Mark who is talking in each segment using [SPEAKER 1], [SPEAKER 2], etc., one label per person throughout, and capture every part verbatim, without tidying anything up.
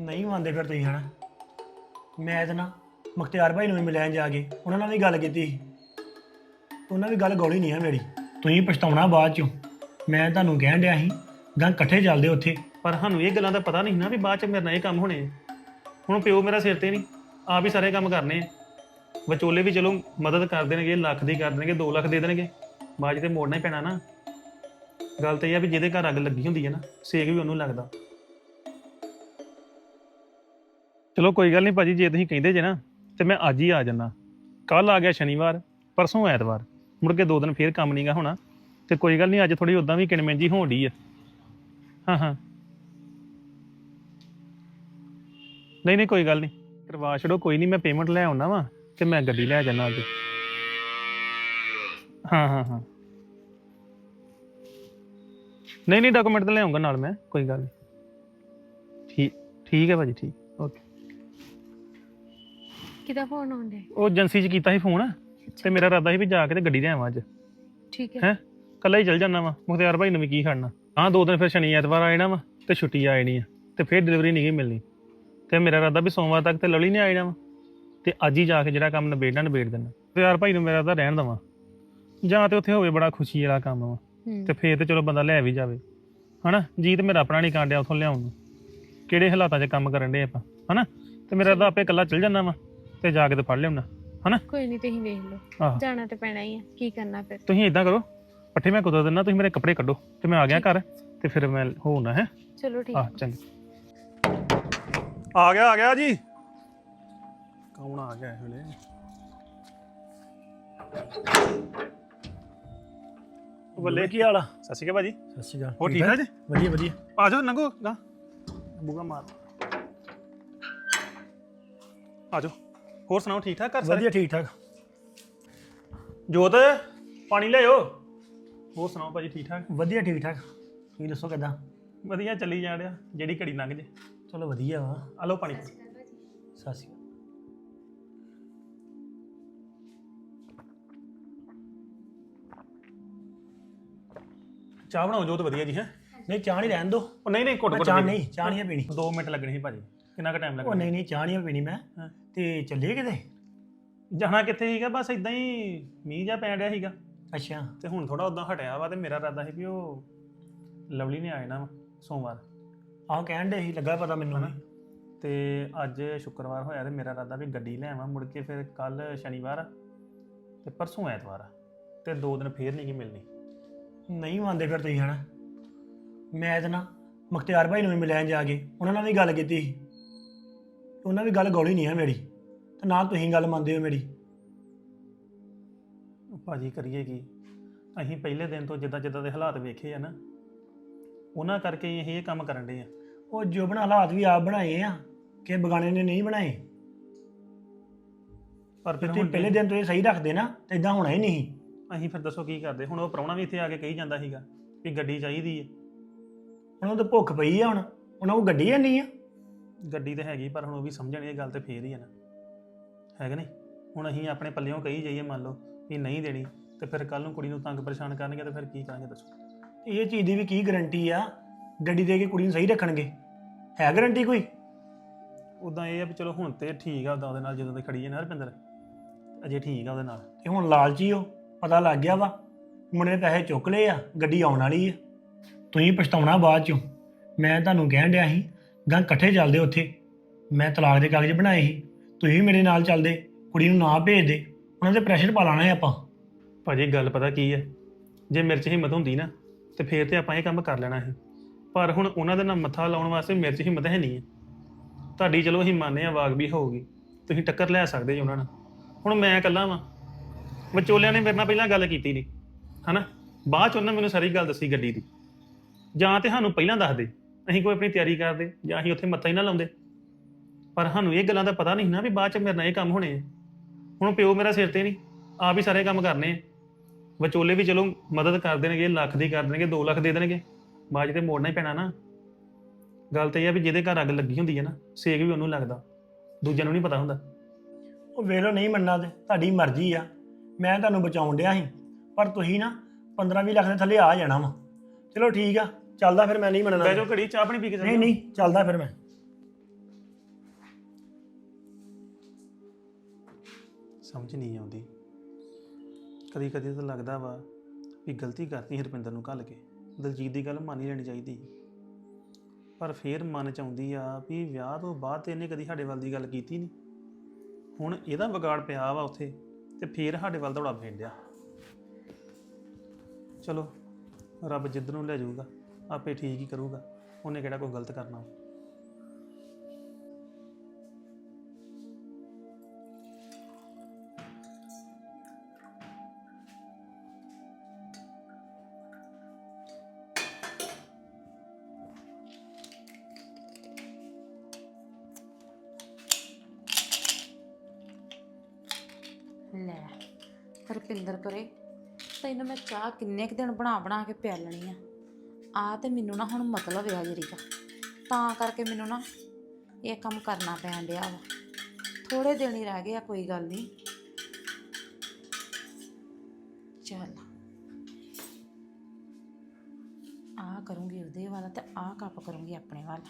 [SPEAKER 1] ਨਹੀਂ ਮੰਨਦੇ ਫਿਰ ਤੁਸੀਂ ਹਨਾ। ਮੈਂ ਤਾਂ ਨਾ ਮੁਖਤਿਆਰ ਭਾਈ ਨੂੰ ਵੀ ਮਿਲਿਆ ਜਾ ਕੇ, ਉਹਨਾਂ ਨਾਲ ਵੀ ਗੱਲ ਕੀਤੀ ਸੀ। ਉਹਨਾਂ ਵੀ ਗੱਲ ਗੋਲੀ ਨਹੀਂ ਆ ਮੇਰੀ। ਤੁਸੀਂ ਪਛਤਾਉਣਾ ਬਾਅਦ ਚੋਂ। ਮੈਂ ਤੁਹਾਨੂੰ ਕਹਿਣ ਡਿਆ ਸੀ ਗਾਂ ਇਕੱਠੇ ਚੱਲਦੇ ਉੱਥੇ।
[SPEAKER 2] ਪਰ ਸਾਨੂੰ ਇਹ ਗੱਲਾਂ ਦਾ ਪਤਾ ਨਹੀਂ ਨਾ ਵੀ ਬਾਅਦ ਚ ਮੇਰੇ ਨਾਲ ਇਹ ਕੰਮ ਹੋਣੇ ਆ। ਹੁਣ ਪਿਓ ਮੇਰਾ ਸਿਰ ਤੇ ਨਹੀਂ, ਆਪ ਹੀ ਸਾਰੇ ਕੰਮ ਕਰਨੇ ਆ। ਵਿਚੋਲੇ ਵੀ ਚਲੋ ਮਦਦ ਕਰ ਦੇਣਗੇ, ਲੱਖ ਦੀ ਕਰ ਦੇਣਗੇ, ਦੋ ਲੱਖ ਦੇ ਦੇਣਗੇ, ਬਾਅਦ 'ਚ ਤੇ ਮੋੜਨਾ ਹੀ ਪੈਣਾ ਨਾ। ਗੱਲ ਤਾਂ ਇਹ ਆ ਵੀ ਜਿਹਦੇ ਘਰ ਅੱਗ ਲੱਗੀ ਹੁੰਦੀ ਹੈ ਨਾ, ਸੇਕ ਵੀ ਉਹਨੂੰ ਲੱਗਦਾ। ਚਲੋ ਕੋਈ ਗੱਲ ਨਹੀਂ ਭਾਜੀ, ਜੇ ਤੁਸੀਂ ਕਹਿੰਦੇ ਜੇ ਨਾ ਤੇ ਮੈਂ ਅੱਜ ਹੀ ਆ ਜਾਣਾ। ਕੱਲ ਆ ਗਿਆ ਸ਼ਨੀਵਾਰ, ਪਰਸੋਂ ਐਤਵਾਰ, ਮੁੜ ਕੇ ਦੋ ਦਿਨ ਫੇਰ ਕੰਮ ਨਹੀਂਗਾ ਹੋਣਾ। ਤੇ ਕੋਈ ਗੱਲ ਨਹੀਂ, ਅੱਜ ਥੋੜੀ ਉਦਾਂ ਵੀ ਕਿਣਮਿਣ ਜੀ ਹੋਣ ਡਈ ਆ। ਹਾਂ ਹਾਂ ਨਹੀਂ ਨਹੀਂ ਕੋਈ ਗੱਲ ਨਹੀਂ, ਕਰਵਾ ਛੱਡੋ, ਕੋਈ ਨਹੀਂ। ਮੈਂ ਪੇਮੈਂਟ ਲੈ ਆਉਣਾ ਵਾ ਤੇ ਮੈਂ ਗੱਡੀ ਲੈ ਜਾਣਾ ਅੱਜ। ਹਾਂ ਹਾਂ ਹਾਂ ਨਹੀਂ ਨਹੀਂ ਡਾਕੂਮੈਂਟ ਤਾਂ ਲੈ ਆਉਂਗਾ ਨਾਲ ਮੈਂ, ਕੋਈ ਗੱਲ ਨਹੀਂ। ਠੀਕ ਠੀਕ ਹੈ ਭਾਜੀ, ਠੀਕ ਓਕੇ।
[SPEAKER 3] ਕਿਹਦਾ ਫੋਨ ਆਉਂਦਾ?
[SPEAKER 2] ਉਹ ਏਜੰਸੀ 'ਚ ਕੀਤਾ ਸੀ ਫੋਨ, ਤੇ ਮੇਰਾ ਇਰਾਦਾ ਸੀ ਵੀ ਜਾ ਕੇ ਤੇ ਗੱਡੀ ਲੈ ਆਵਾਂ ਅੱਜ।
[SPEAKER 3] ਠੀਕ ਹੈ
[SPEAKER 2] ਹੈ ਕੱਲਾ ਹੀ ਚੱਲ ਜਾਣਾ ਵਾ, ਮੁਖਤਿਆਰ ਭਾਈ ਨੂੰ ਵੀ ਕੀ ਖੜਨਾ। ਹਾਂ ਦੋ ਦਿਨ ਫਿਰ ਸ਼ਨੀ ਐਤਵਾਰ ਆ ਜਾਣਾ ਵਾ ਤੇ ਛੁੱਟੀ ਆ ਜਾਣੀ ਆ, ਤੇ ਫਿਰ ਡਿਲੀਵਰੀ ਨਹੀਂ ਗਈ ਮਿਲਣੀ। ਤੇ ਮੇਰਾ ਇਰਾਦਾ ਵੀ ਸੋਮਵਾਰ ਤੱਕ ਤੇ ਲਵਲੀ ਨੇ ਆ ਜਾਣਾ ਵਾ, ਤੇ ਅੱਜ ਹੀ ਜਾ ਕੇ ਜਿਹੜਾ ਕੰਮ ਨਿਬੇੜਨਾ ਨਿਬੇੜ ਦੇਣਾ। ਮੁਖਤਿਆਰ ਭਾਈ ਨੂੰ ਮੇਰਾ ਤਾਂ ਰਹਿਣ ਦੇਵਾਂ, ਜਾਂ ਤੇ ਉੱਥੇ ਹੋਵੇ ਬੜਾ ਖੁਸ਼ੀ ਵਾਲਾ ਕੰਮ ਵਾ, ਤੇ ਫੇਰ ਤੇ ਚਲੋ ਬੰਦਾ ਲੈ ਵੀ ਜਾਵੇ ਹਨਾ। ਜੀ ਤੇ ਮੇਰਾ ਆਪਣਾ ਨਹੀਂ ਕਾਂਡਿਆ ਉੱਥੋਂ ਲਿਆਉਣ ਨੂੰ, ਕਿਹੜੇ ਹਾਲਾਤਾਂ 'ਚ ਕੰਮ ਕਰਨ ਡੇ ਆਪਾਂ ਹਨਾ। ਤੇ ਮੇਰਾ ਤਾਂ ਆਪੇ ਇਕੱਲਾ ਚੱਲ ਜਾਣਾ ਵਾ ਤੇ ਜਾ ਕੇ ਤੇ ਫੜ ਲਿਆਉਣਾ ਹਨਾ।
[SPEAKER 3] ਕੋਈ ਨਹੀਂ, ਤੁਸੀਂ ਵੇਖ ਲਓ,
[SPEAKER 2] ਆਹ
[SPEAKER 3] ਜਾਣਾ ਤੇ ਪੈਣਾ ਹੀ ਆ, ਕੀ ਕਰਨਾ ਫਿਰ।
[SPEAKER 2] ਤੁਸੀਂ ਏਦਾਂ ਕਰੋ, ਪੱਠੇ ਮੈਂ ਕੁਦਰ ਦਿੰਦਾ, ਤੁਸੀਂ ਮੇਰੇ ਕੱਪੜੇ ਕੱਢੋ ਤੇ ਮੈਂ ਆ ਗਿਆ ਘਰ, ਤੇ ਫਿਰ ਮੈਂ ਹੋਣਾ ਹੈ।
[SPEAKER 3] ਚਲੋ ਠੀਕ।
[SPEAKER 2] ਆਹ ਚੰਗਾ, ਆ ਗਿਆ ਆ ਗਿਆ ਜੀ। ਕੌਣ ਆ ਗਿਆ ਇਹ ਵੇਲੇ? ਬੱਲੇ,
[SPEAKER 1] ਕੀ ਹਾਲ ਆ?
[SPEAKER 2] ਸਤਿ ਸ਼੍ਰੀ ਅਕਾਲ ਭਾਜੀ।
[SPEAKER 1] ਸਤਿ ਸ਼੍ਰੀ ਅਕਾਲ।
[SPEAKER 2] ਹੋਰ ਠੀਕ ਠਾਕ ਜੀ?
[SPEAKER 1] ਵਧੀਆ ਵਧੀਆ।
[SPEAKER 2] ਆ ਜਾਓ, ਲੰਘੋ ਗਾ, ਬੂਗਾ ਮਾਰ। ਆ ਜਾਓ, ਹੋਰ ਸੁਣਾਓ, ਠੀਕ ਠਾਕ ਘਰ ਸਾਰੇ?
[SPEAKER 1] ਵਧੀਆ ਠੀਕ ਠਾਕ।
[SPEAKER 2] ਜੋਤ ਪਾਣੀ ਲਿਆਓ। ਹੋਰ ਸੁਣਾਓ ਭਾਜੀ, ਠੀਕ ਠਾਕ?
[SPEAKER 1] ਵਧੀਆ ਠੀਕ ਠਾਕ। ਤੁਸੀਂ ਦੱਸੋ ਕਿੱਦਾਂ?
[SPEAKER 2] ਵਧੀਆ ਚੱਲੀ ਜਾ ਰਿਹਾ, ਜਿਹੜੀ ਘੜੀ ਲੰਘ ਜੇ।
[SPEAKER 1] ਚਲੋ ਵਧੀਆ ਵਾ।
[SPEAKER 2] ਆ ਲਓ ਪਾਣੀ।
[SPEAKER 1] ਸਤਿ ਸ਼੍ਰੀ ਅਕਾਲ।
[SPEAKER 2] ਚਾਹ ਬਣਾਓ ਜੋਤ, ਵਧੀਆ ਜੀ। ਹੈ
[SPEAKER 1] ਨਹੀਂ ਚਾਹ ਨਹੀਂ ਰਹਿਣ ਦੋ।
[SPEAKER 2] ਉਹ ਨਹੀਂ ਨਹੀਂ, ਘੁੱਟ ਘੁੱਟ
[SPEAKER 1] ਚਾਹ ਨਹੀਂ, ਚਾਹ ਨਹੀਂ ਪੀਣੀ।
[SPEAKER 2] ਦੋ ਮਿੰਟ ਲੱਗਣੇ ਸੀ ਭਾਜੀ। ਕਿੰਨਾ ਕੁ ਟਾਈਮ
[SPEAKER 1] ਉਹ
[SPEAKER 2] ਲੱਗਣਾ?
[SPEAKER 1] ਨਹੀਂ ਨਹੀਂ ਚਾਹ ਨਹੀਂ ਪੀਣੀ ਮੈਂ।
[SPEAKER 2] ਹਾਂ।
[SPEAKER 1] ਤੇ ਚੱਲੀਏ ਕਿਤੇ?
[SPEAKER 2] ਜਾਣਾ ਕਿੱਥੇ ਸੀਗਾ, ਬਸ ਇਦਾਂ ਹੀ ਮੀਂਹ ਜਿਹਾ ਪੈਣ ਡਿਆ ਸੀਗਾ,
[SPEAKER 1] ਅੱਛਾ।
[SPEAKER 2] ਤੇ ਹੁਣ ਥੋੜਾ ਉਦਾਂ ਹਟਿਆ ਵਾ। ਤੇ ਮੇਰਾ ਇਰਾਦਾ ਸੀ ਵੀ ਉਹ ਲਵਲੀ ਨੇ ਆ ਜਾਣਾ ਵਾ ਸੋਮਵਾਰ।
[SPEAKER 1] ਆਹ ਕਹਿਣ ਦੇ ਸੀ, ਲੱਗਾ ਪਤਾ ਮੈਨੂੰ ਵੀ।
[SPEAKER 2] ਤੇ ਅੱਜ ਸ਼ੁੱਕਰਵਾਰ ਹੋਇਆ, ਤੇ ਮੇਰਾ ਇਰਾਦਾ ਵੀ ਗੱਡੀ ਲੈ ਆਵਾਂ ਮੁੜ ਕੇ। ਫਿਰ ਕੱਲ ਸ਼ਨੀਵਾਰ ਆ ਤੇ ਪਰਸੋਂ ਐਤਵਾਰ ਆ, ਤੇ ਦੋ ਦਿਨ ਫੇਰ ਨਹੀਂ ਗੀ ਮਿਲਣੀ।
[SPEAKER 1] ਨਹੀਂ ਮੰਨਦੇ ਫਿਰ ਤੁਸੀਂ ਹਨਾ। ਮੈਂ ਤਾਂ ਨਾ ਮੁਖਤਿਆਰ ਭਾਈ ਨੂੰ ਵੀ ਮਿਲਿਆ ਜਾ ਕੇ, ਉਹਨਾਂ ਨਾਲ ਵੀ ਗੱਲ ਕੀਤੀ ਸੀ। ਉਹਨਾਂ ਵੀ ਗੱਲ ਗੋਲੀ ਨਹੀਂ ਆ ਮੇਰੀ, ਤੇ ਨਾ ਤੁਸੀਂ ਗੱਲ ਮੰਨਦੇ ਹੋ ਮੇਰੀ।
[SPEAKER 2] ਭਾਜੀ ਕਰੀਏ ਕੀ, ਅਸੀਂ ਪਹਿਲੇ ਦਿਨ ਤੋਂ ਜਿੱਦਾਂ ਜਿੱਦਾਂ ਦੇ ਹਾਲਾਤ ਵੇਖੇ ਆ ਨਾ, ਉਹਨਾਂ ਕਰਕੇ ਹੀ ਅਸੀਂ ਇਹ ਕੰਮ ਕਰਨ ਡੇ ਆ।
[SPEAKER 1] ਉਹ ਜੋ ਬਣਾ ਹਾਲਾਤ ਵੀ ਆਪ ਬਣਾਏ ਆ, ਕਿ ਬਗਾਨੇ ਨੇ ਨਹੀਂ ਬਣਾਏ।
[SPEAKER 2] ਪਰ ਫਿਰ
[SPEAKER 1] ਤੁਸੀਂ
[SPEAKER 2] ਹੁਣ
[SPEAKER 1] ਪਹਿਲੇ ਦਿਨ ਤੋਂ ਇਹ ਸਹੀ ਰੱਖਦੇ ਨਾ, ਤੇ ਇਦਾਂ ਹੋਣਾ ਹੀ ਨਹੀਂ।
[SPEAKER 2] ਅਸੀਂ ਫਿਰ ਦੱਸੋ ਕੀ ਕਰਦੇ। ਹੁਣ ਉਹ ਪ੍ਰਾਹੁਣਾ ਵੀ ਇੱਥੇ ਆ ਕੇ ਕਹੀ ਜਾਂਦਾ ਸੀਗਾ ਵੀ ਗੱਡੀ ਚਾਹੀਦੀ ਹੈ।
[SPEAKER 1] ਉਹਨਾਂ ਨੂੰ ਤਾਂ ਭੁੱਖ ਪਈ ਆ, ਹੁਣ ਉਹਨਾਂ ਕੋਲ ਗੱਡੀ ਹੈ ਨਹੀਂ ਆ।
[SPEAKER 2] ਗੱਡੀ ਤਾਂ ਹੈਗੀ, ਪਰ ਹੁਣ ਉਹ ਵੀ ਸਮਝਣ ਇਹ ਗੱਲ ਤੇ ਫੇਰ ਹੀ ਹੈ ਨਾ, ਹੈਗਾ ਨਹੀਂ। ਹੁਣ ਅਸੀਂ ਆਪਣੇ ਪੱਲਿਓਂ ਕਹੀ ਜਾਈਏ, ਮੰਨ ਲਓ ਵੀ ਨਹੀਂ ਦੇਣੀ, ਤੇ ਫਿਰ ਕੱਲ ਨੂੰ ਕੁੜੀ ਨੂੰ ਤੰਗ ਪਰੇਸ਼ਾਨ ਕਰਨਗੇ, ਤੇ ਫਿਰ ਕੀ ਕਰਾਂਗੇ ਦੱਸੋ?
[SPEAKER 1] ਇਹ ਚੀਜ਼ ਦੀ ਵੀ ਕੀ ਗਾਰੰਟੀ ਆ ਗੱਡੀ ਦੇ ਕੇ ਕੁੜੀ ਨੂੰ ਸਹੀ ਰੱਖਣਗੇ? ਹੈ ਗਾਰੰਟੀ ਕੋਈ?
[SPEAKER 2] ਉਦਾਂ ਇਹ ਆ ਵੀ ਚਲੋ ਹੁਣ ਤੇ ਠੀਕ ਆ, ਉਦਾਂ ਉਹਦੇ ਨਾਲ ਜਦੋਂ ਦੀ ਖੜੀ ਹੈ ਨਾ ਰੁਪਿੰਦਰ, ਅਜੇ ਠੀਕ ਆ ਉਹਦੇ ਨਾਲ।
[SPEAKER 1] ਤੇ ਹੁਣ ਲਾਲਚੀ ਹੋ, ਪਤਾ ਲੱਗ ਗਿਆ ਵਾ, ਮੁੰਡੇ ਨੇ ਪੈਸੇ ਚੁੱਕ ਲਏ ਆ, ਗੱਡੀ ਆਉਣ ਵਾਲੀ ਆ। ਤੁਸੀਂ ਪਛਤਾਉਣਾ ਬਾਅਦ ਚੋਂ। ਮੈਂ ਤੁਹਾਨੂੰ ਕਹਿਣ ਡਿਆ ਸੀ ਗਾਂ ਇਕੱਠੇ ਚੱਲਦੇ ਉੱਥੇ। ਮੈਂ ਤਲਾਕ ਦੇ ਕਾਗਜ਼ ਬਣਾਏ ਸੀ, ਤੁਸੀਂ ਮੇਰੇ ਨਾਲ ਚੱਲਦੇ, ਕੁੜੀ ਨੂੰ ਨਾ ਭੇਜਦੇ, ਉਹਨਾਂ ਦੇ ਪ੍ਰੈਸ਼ਰ ਪਾ ਲਾਣਾ ਆਪਾਂ।
[SPEAKER 2] ਭਾਜੀ ਗੱਲ ਪਤਾ ਕੀ ਹੈ, ਜੇ ਮੇਰੇ 'ਚ ਹਿੰਮਤ ਹੁੰਦੀ ਨਾ ਤੇ ਫੇਰ ਤੇ ਆਪਾਂ ਇਹ ਕੰਮ ਕਰ ਲੈਣਾ ਸੀ। ਪਰ ਹੁਣ ਉਹਨਾਂ ਦੇ ਨਾਲ ਮੱਥਾ ਲਾਉਣ ਵਾਸਤੇ ਮੇਰੇ 'ਚ ਹਿੰਮਤ ਹੈ ਨਹੀਂ ਹੈ। ਤੁਹਾਡੀ ਚਲੋ ਅਸੀਂ ਮੰਨਦੇ ਹਾਂ ਵਾਗ ਵੀ ਹੋਊਗੀ, ਤੁਸੀਂ ਟੱਕਰ ਲੈ ਸਕਦੇ ਜੀ ਉਹਨਾਂ ਨਾਲ। ਹੁਣ ਮੈਂ ਇਕੱਲਾ ਵਾਂ, ਵਿਚੋਲਿਆਂ ਨੇ ਮੇਰੇ ਨਾਲ ਪਹਿਲਾਂ ਗੱਲ ਕੀਤੀ ਨਹੀਂ ਹਨਾ, ਬਾਅਦ 'ਚ ਉਹਨਾਂ ਮੈਨੂੰ ਸਾਰੀ ਗੱਲ ਦੱਸੀ ਗੱਡੀ ਦੀ। ਜਾਂ ਤੇ ਸਾਨੂੰ ਪਹਿਲਾਂ ਦੱਸ ਦੇ, ਅਸੀਂ ਕੋਈ ਆਪਣੀ ਤਿਆਰੀ ਕਰਦੇ, ਜਾਂ ਅਸੀਂ ਉੱਥੇ ਮੱਥਾ ਹੀ ਨਾ ਲਾਉਂਦੇ। ਪਰ ਸਾਨੂੰ ਇਹ ਗੱਲਾਂ ਦਾ ਪਤਾ ਨਹੀਂ ਨਾ ਵੀ ਬਾਅਦ 'ਚ ਮੇਰੇ ਨਾਲ ਇਹ ਕੰਮ ਹੋਣੇ ਆ। ਹੁਣ ਪਿਓ ਮੇਰਾ ਸਿਰ ਤੇ ਨਹੀਂ, ਆਪ ਹੀ ਸਾਰੇ ਕੰਮ ਕਰਨੇ ਆ। ਵਿਚੋਲੇ ਵੀ ਚਲੋ ਮਦਦ ਕਰ ਦੇਣਗੇ, ਲੱਖ ਦੀ ਕਰ ਦੇਣਗੇ, ਦੋ ਲੱਖ ਦੇ ਦੇਣਗੇ, ਬਾਅਦ 'ਚ ਤੇ ਮੋੜਨਾ ਹੀ ਪੈਣਾ ਨਾ। ਗੱਲ ਤਾਂ ਇਹ ਆ ਵੀ ਜਿਹਦੇ ਘਰ ਅੱਗ ਲੱਗੀ ਹੁੰਦੀ ਹੈ ਨਾ, ਸੇਕ ਵੀ ਉਹਨੂੰ ਲੱਗਦਾ, ਦੂਜਿਆਂ ਨੂੰ ਨਹੀਂ ਪਤਾ ਹੁੰਦਾ।
[SPEAKER 1] ਉਹ ਵੇਲੋ ਨਹੀਂ ਮੰਨਣਾ ਤੇ ਤੁਹਾਡੀ ਮਰਜ਼ੀ ਆ। ਮੈਂ ਤੁਹਾਨੂੰ ਬਚਾਉਣ ਡਿਆ ਸੀ, ਪਰ ਤੁਸੀਂ ਨਾ ਪੰਦਰਾਂ ਵੀਹ ਲੱਖ ਦੇ ਥੱਲੇ ਆ ਜਾਣਾ ਵਾ। ਚਲੋ ਠੀਕ ਆ, ਚੱਲਦਾ ਫਿਰ। ਮੈਂ ਨਹੀਂ ਮੰਨਣਾ।
[SPEAKER 2] ਬਹਿ ਜਾਓ ਘੜੀ, ਚਾਹ ਪਾਣੀ ਪੀ ਕੇ
[SPEAKER 1] ਨਹੀਂ ਨਹੀਂ ਚੱਲਦਾ ਫਿਰ ਮੈਂ।
[SPEAKER 2] ਸਮਝ ਨਹੀਂ ਆਉਂਦੀ। ਕਦੀ ਕਦੀ ਤਾਂ ਲੱਗਦਾ ਵਾ ਵੀ ਗਲਤੀ ਕਰਤੀ ਹਰਪਿੰਦਰ ਨੂੰ ਘੱਲ ਕੇ ਦਲਜੀਤ ਦੀ ਗੱਲ ਮੰਨ ਹੀ ਲੈਣੀ ਚਾਹੀਦੀ ਸੀ। ਪਰ ਫੇਰ ਮਨ ਚ ਆਉਂਦੀ ਆ ਵੀ ਵਿਆਹ ਤੋਂ ਬਾਅਦ ਤੇ ਇਹਨੇ ਕਦੀ ਸਾਡੇ ਵੱਲ ਦੀ ਗੱਲ ਕੀਤੀ ਨਹੀਂ। ਹੁਣ ਇਹਦਾ ਵਿਗਾੜ ਪਿਆ ਵਾ ਉੱਥੇ ਤੇ ਫੇਰ ਸਾਡੇ ਵੱਲ ਦੌੜਾ ਪੈਂਦਿਆ। ਚਲੋ ਰੱਬ ਜਿੱਦ ਨੂੰ ਲੈ ਜਾਊਗਾ ਆਪੇ ਠੀਕ ਹੀ ਕਰੂਗਾ, ਉਹਨੇ ਕਿਹੜਾ ਕੋਈ ਗਲਤ ਕਰਨਾ।
[SPEAKER 4] ਲੈ ਰੁਪਿੰਦਰ ਕਰੇ ਤੈਨੂੰ ਮੈਂ ਚਾਹ ਕਿੰਨੇ ਕੁ ਦਿਨ ਬਣਾ ਬਣਾ ਕੇ ਪਿਆਲਣੀ ਆ ਆ ਤੇ ਮੈਨੂੰ ਨਾ ਹੁਣ ਮਤਲਬ ਆ ਜਰੀ ਦਾ, ਤਾਂ ਕਰਕੇ ਮੈਨੂੰ ਨਾ ਇਹ ਕੰਮ ਕਰਨਾ ਪੈਣ ਡਿਆ ਵਾ। ਥੋੜੇ ਦਿਨ ਹੀ ਰਹਿ ਗਏ ਆ, ਕੋਈ ਗੱਲ ਨਹੀਂ। ਚੱਲ ਆ ਕਰੂੰਗੀ ਉਹਦੇ ਵਾਲਾ ਤੇ ਆ ਕੱਪ ਕਰੂੰਗੀ ਆਪਣੇ ਵਾਲਾ।